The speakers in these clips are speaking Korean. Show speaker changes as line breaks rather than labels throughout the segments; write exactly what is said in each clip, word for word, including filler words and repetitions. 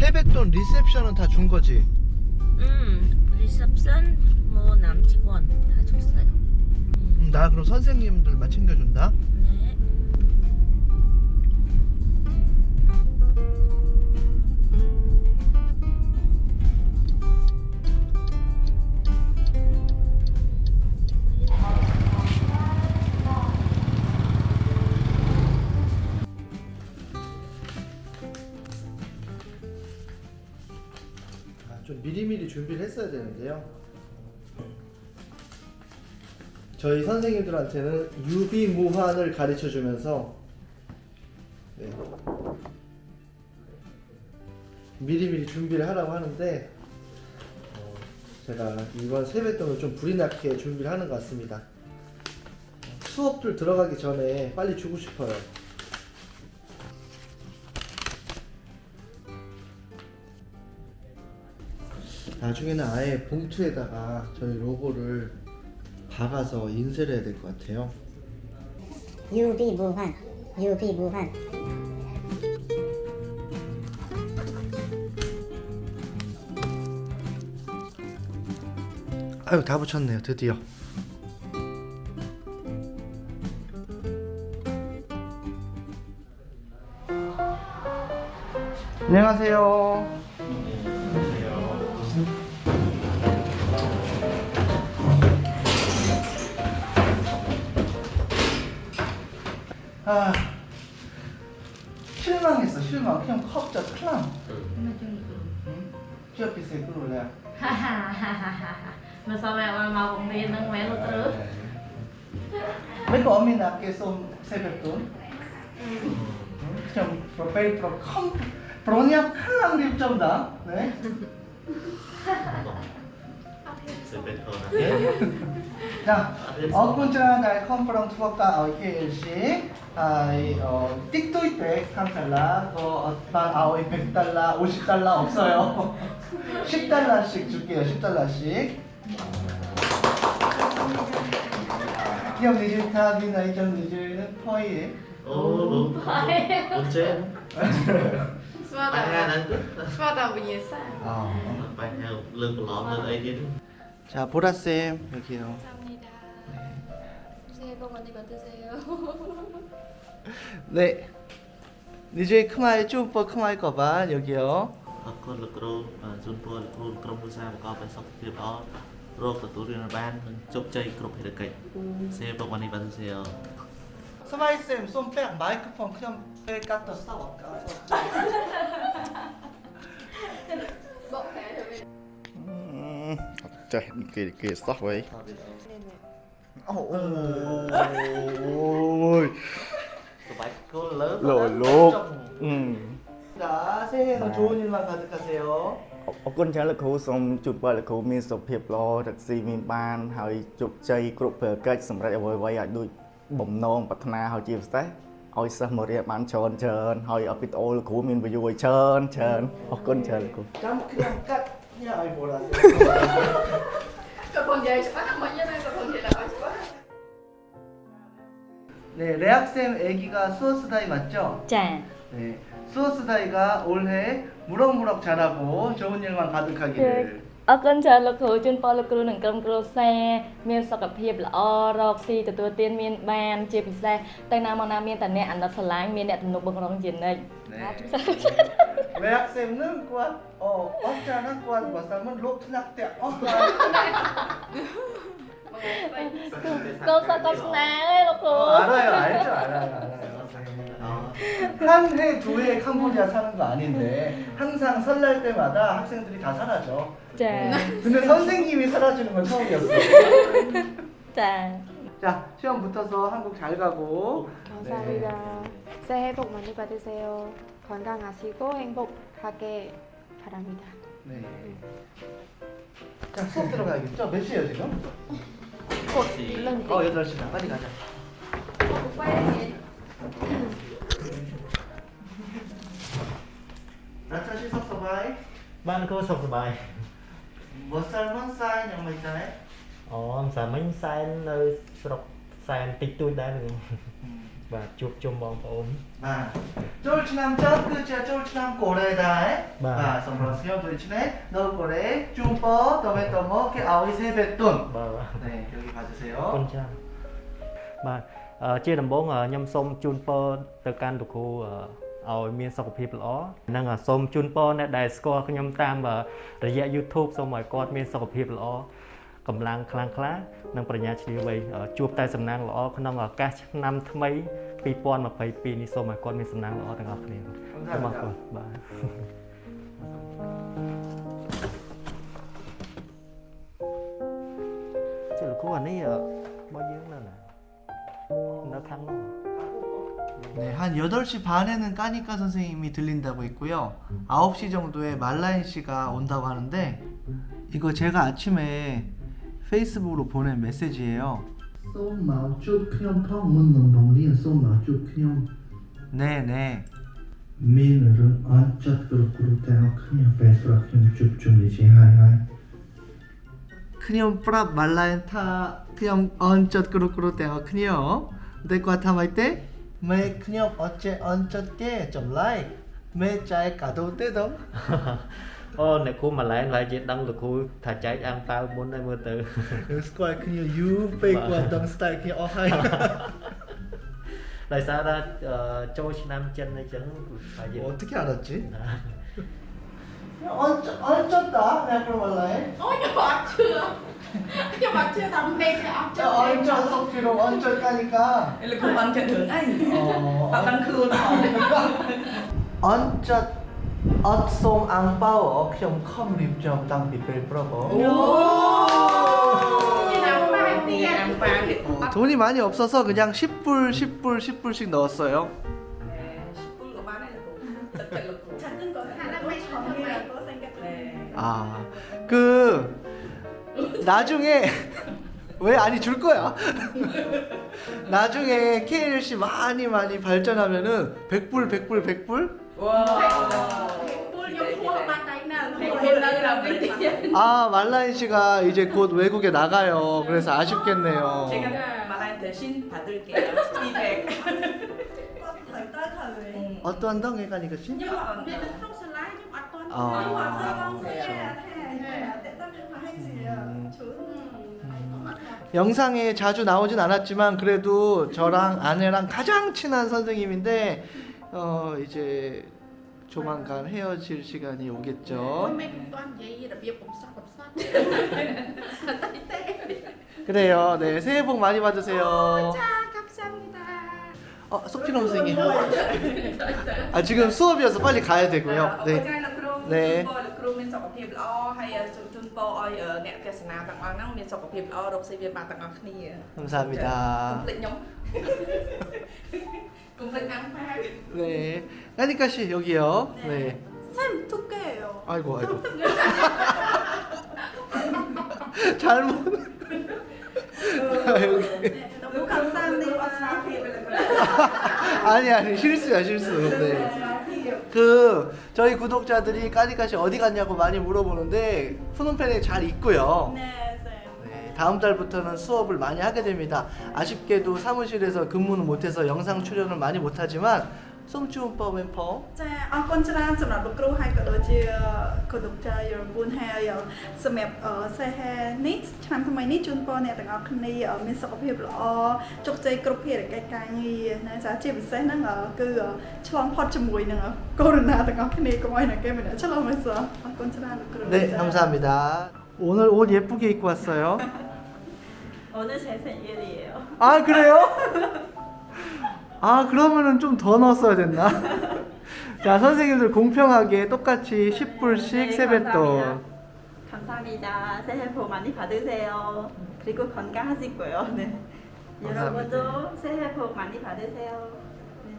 세뱃돈 리셉션은 다 준 거지?
음, 리셉션 뭐 남직원 다 줬어요.
음, 나 그럼 선생님들만 챙겨준다?
네.
아, 좀 미리미리 준비를 했어야 되는데요. 저희 선생님들한테는 유비무환을 가르쳐 주면서 네. 미리미리 준비를 하라고 하는데 어, 제가 이번 세뱃돈을 좀 불이 나게 준비를 하는 것 같습니다. 수업들 들어가기 전에 빨리 주고 싶어요. 나중에는 아예 봉투에다가 저희 로고를 박아서 인쇄를 해야 될 것 같아요.
유비무환, 유비무환.
아유, 다 붙였네요, 드디어. 안녕하세요. 아, 실망했어, 실망. 그냥 컵자 클랑. 응? chưa bị sếp rồi nè.
Mà sao mẹ mà màu cũng đi nâng mẹ luôn tứ.
Mấy cô mình là cái xôm xe bẹp tốn. 좀 프로페일 프로 컴 프로냐 클랑 립 다. 네. 자, 어군처럼 갈 컴프랑 투어가 어이케일씩 아이 어 띡도이 백 삼 달러 그 어반 아오이 백 달러 오십 달러 없어요. 십 달러씩 줄게요. 십 달러씩. 형 니즈 타비나 이점 니즈 퍼이에.
Ồ đúng. Bốn trên.
Suốt
Bài hai
là
đang tức.
suốt là vì nhiều sao?
아.
Bài hai lưng của lóm lên ấy chứ.
자, 보라 쌤 여기요.
감사합니다. 새해 복 많이 받으세요.
네. 니즈 크마이 쭈퍼 크마이 거반 여기요.
Con lực rô và Jun Po lực rô trong mùa sao có bài sắp tiếp đó. Rô của tụi riêng ban chụp chơi cục hệ được kịch. Xe bọcวันนี้วันเสียว
스마일 쌤 손빼 마이크폰 그냥 빼 깎다 싸워.
Bộ khá rồi mình.
Trời, kìa kìa sót vậy.
ôi.
tụi bài có lớn
Lồi luộc. 음.
자, 새해에는 좋은 일만 가득하세요.
អរគុណច្រើនលោកគ្រូសូមជូនពរលោកគ្រូមានសុខភាពល្អរកស៊ីមានបានហើយជោគជ័យគ្រប់ភារកិច្ចសម្រាប់អ្វីៗឲ្យដូចបំណងប្រាថ្នាហើយជាពិសេសឲ្យសិស្សមករៀនបានច្រើនច្រើនហើយឲ្យវីដេអូលោកគ្រូមាន view ឲ្យច្រើនច្រើនអរគុណច្រើនលោកគ្រូ
깜 그냥 깍 그냥 아이 뭐라.
Cậu còn về quá mấy như này cậu còn về là quá quá.
네, 레학쌤 애기가 수어스다이 맞죠?
Chà.
네. 수어스다이가 올해 무럭무럭 자라고 좋은 일만 가득하기를.
អរគុណច្រើនលោកគ្រូជូនពរលោកគ្រូនិងក្រុមគ្រួសារមានសុខភាពល្អរកស៊ីទទួលទានមានបានជាពិសេសទៅណាមកណាមានតែអ្នកអាណិតស្រឡាញ់មានអ្នកទំនុកបឹងរងជានិច្ច
네. 레학쌤은 꾸안 어 어쩌나 꾸안 뭐쌈은 록트낙대 어꾸안.
កូនសិស្សកូនស្នាអើយលោកគ្រូ
어, 알아요, 알죠, 알아요, 알아요. 한 해, 두 해 캄보디아 사는 거 아닌데 항상 설날 때마다 학생들이 다 사라져.
ចា
근데 선생님이 사라지는 건 처음이었어.
ចា
자, 시험 붙어서 한국 잘 가고.
감사합니다. 새해 복 많이 받으세요. 건강하시고 행복하게 바랍니다.
네. 자, 수업 들어가야겠죠? 몇 시에요, 지금? 어, 여덟 시다. 빨리 가자. 나차 시석 서바이.
បានគោសុខសប្បាយ
몇 살, 몇 살, 양말 있잖아요.
អូមិនសាមិញសែននៅស្រុកសែនតិចតួចដែរ
음,
បាទជួបជុំបងប្អូន
아, 쫄 지남 전 끝이야 쫄 지남 고래다.
네.
아, 선물하세요. 도대체 너 고래 쭈퍼 더메 더머 그 아오이 세뱃돈.
បាទ
네, 여기
អរគុ
봐주세요.
ណច្រើនបាទអឺជាដំបូងអឺខ្ញុំសូមជូនពរទៅកាន់លោកគ្រូអឺឲ្យមានសុខភាពល្អនិងអឺសូមជូនពរអ្នកដែលស្គាល់ខ្ញុំតាមអឺរយៈ YouTube សូមឲ្យគាត់មានសុខភាពល្អកម្លាំងខ្លាំងក្លានិងប្រាជ្ញាឈ្លាសវៃអឺជួបតែសំណាងល្អក្នុងឱកាសឆ្នាំថ្មីពីរពាន់ម្ភៃពីរនេះសូមឲ្យគាត់មានសំណាងល្អទាំងអស់គ្នាសូមអរគុណបាទ ចុះលោកគ្រូអានេះអឺរបស់យើងនៅណានៅខាងនោះ
네, 한 여덟 시 반에는 까니까 선생님이 들린다고 했고요. 아홉 시 정도에 말라인 씨가 온다고 하는데 이거 제가 아침에 페이스북으로 보낸 메시지예요.
សូមមកជួបខ្ញុំផងមុននឹងបង្រៀនសូមមកជួបខ្ញុំ
네, 네.
មានរឿងអត់ចិត្តគ្រូគ្រូទាំងអស់គ្នាពេលប្រកខ្ញុំជួបជុំនេះជាហើយហើយ
크니엄 프랍 말라인 타 크니엄 언젓 그루그루 떼어 크니엄 내과 타마이 때매 크니엄 어째 언젓게 좀 라이 매 짜이 까도 떼덩
អូអ្នកគ្រូម៉ាឡែនហើយជាដឹងលោកគ្រូថាចែកអាំងប៉ាវមុនហើយមើលទៅ
스쿼이 크니엄 유 페이크 완덩 스타일 크니엄 어하이
ដោយសារថាអឺចូលឆ្នាំចិនអញ្ចឹងហើយយើង
어떻게 알았지? 언젓 언젓다 내가 그럼 말라인
Ôi nhưng mà chưa Nhưng mà chưa tầm đây thì ốc
저
chưa
언젓 석피로 언젓 까니까
Đây là không ăn chân hướng anh
어
Tao đang khương
언젓 엇송 앙바워 크니엄 컴 립점 땅 비벨 프로버
Như nào mà hai tiền
Ăn pha thì
어, 돈이 많이 없어서 그냥 십 불, 십 불, 십 불씩 넣었어요.
School của bạn này là cũng Tất cả là cũng
Chẳng từng có khả năng mấy chọn như là có danh cách
Nè
아, 그 나중에 왜 아니 줄 거야? 나중에 케이엘씨 많이 많이 발전하면은 백 불, 백 불, 백 불?
Wow
Buôn giống thua bàn tay nào
Thầy quên đây là mấy tiền
아, 말라인 씨가 이제 곧 외국에 나가요. 그래서 아쉽겠네요.
Chị mà lại 대신 받을게요 feedback
Thời tới thời
어떠한 덩에 가니까 씨?
Nhưng mà biết là không slide nhưng mà toàn
Ờ.
Nhưng mà
Ờ.
không xe Thế Để tâm không hay gì à Chú
영상에 자주 나오진 않았지만 그래도 저랑 아내랑 가장 친한 선생님인데 어 이제 조만간 헤어질 시간이
Ôi
오겠죠.
mấy cũng toàn vậy là việc cũng sắp cũng sắp Tay tê
그래요. 네, 새해 복 많이 받으세요.
자 감사합니다
어, 석필호 선생님. 아, 지금 수업이어서 빨리 가야 되고요.
Ôi
네.
cái là crew
Nè.
Chun po là crew mình sọc hiệp lo Hay là chun po ơi ở nẹ kẹt sẵn nào tặng áo năng mình sọc hiệp lo Đọc sinh viên bạn tặng áo khní
감사합니다.
Complete nhóm Complete ăn pha
네. 까니까 씨 여기요. 네.
쌤 두께예요
아이고 아이고. 잘못. 아, 여기.
너무 감사합니다
아니 아니 실수야 실수. 네. 그 저희 구독자들이 까니까씨 어디 갔냐고 많이 물어보는데 푸놈펜에 잘 있고요.
네 쌤
네, 다음 달부터는 수업을 많이 하게 됩니다. 아쉽게도 사무실에서 근무는 못해서 영상 출연을 많이 못하지만 송주운법 멤버
ចាអរគុណច្រើនសម្រាប់លោកគ្រូហើយក៏ដូចជាគណៈចារយរពូនហើយសម្រាប់សេហេនេះឆ្នាំថ្មីនេះជូនពរអ្នកទាំងអស់គ្នាមានសុខភាពល្អជោគជ័យគ្រប់ភារកិច្ចការងារណាចាជាពិសេសហ្នឹងគឺឆ្លងផុតជាមួយនឹងកូវីដ ទាំងអស់គ្នាកុំឲ្យអ្នកគេមិនឆ្លងមិនសោះអរគុណច្រើនលោកគ្រូ
네 감사합니다. 오늘 옷 예쁘게 입고 왔어요.
오늘 제 생일이에요.
아 그래요? 아 그러면은 좀 더 넣었어야 됐나? 자 선생님들 공평하게 똑같이 십 불씩
네,
세뱃돈.
감사합니다. 새해 복 많이 받으세요. 그리고 건강하시고요. 네.
감사합니다.
여러분도 새해 복 많이 받으세요. 네.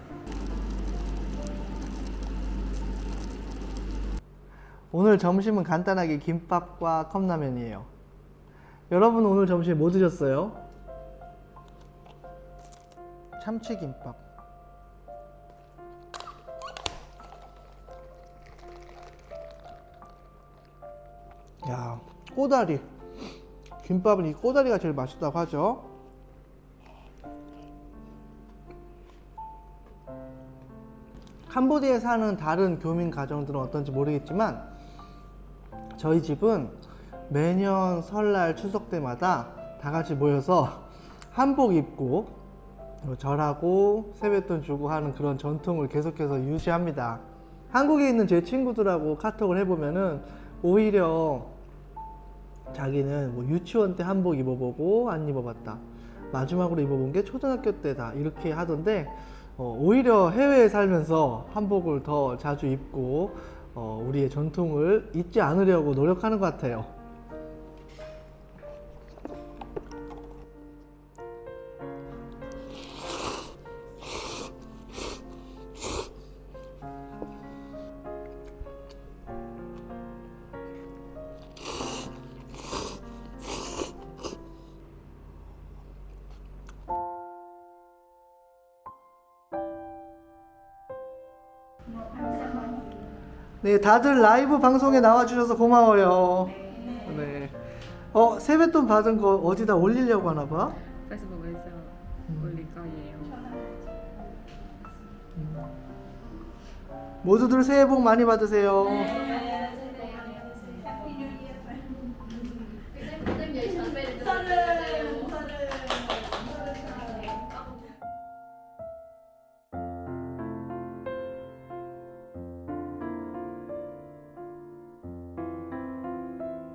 오늘 점심은 간단하게 김밥과 컵라면이에요. 여러분 오늘 점심 뭐 드셨어요? 참치김밥. 야, 꼬다리. 김밥은 이 꼬다리가 제일 맛있다고 하죠. 캄보디아에 사는 다른 교민 가정들은 어떤지 모르겠지만 저희 집은 매년 설날 추석 때마다 다 같이 모여서 한복 입고 절하고 세뱃돈 주고 하는 그런 전통을 계속해서 유지합니다. 한국에 있는 제 친구들하고 카톡을 해보면은 오히려 자기는 뭐 유치원 때 한복 입어보고 안 입어봤다, 마지막으로 입어본 게 초등학교 때다, 이렇게 하던데 어, 오히려 해외에 살면서 한복을 더 자주 입고 어, 우리의 전통을 잊지 않으려고 노력하는 것 같아요. 네, 다들 라이브 방송에 나와주셔서 고마워요. 네. 어, 세뱃돈 받은 거 어디다 올리려고 하나 봐?
페이스북에서 올릴 거예요.
모두들 새해 복 많이 받으세요.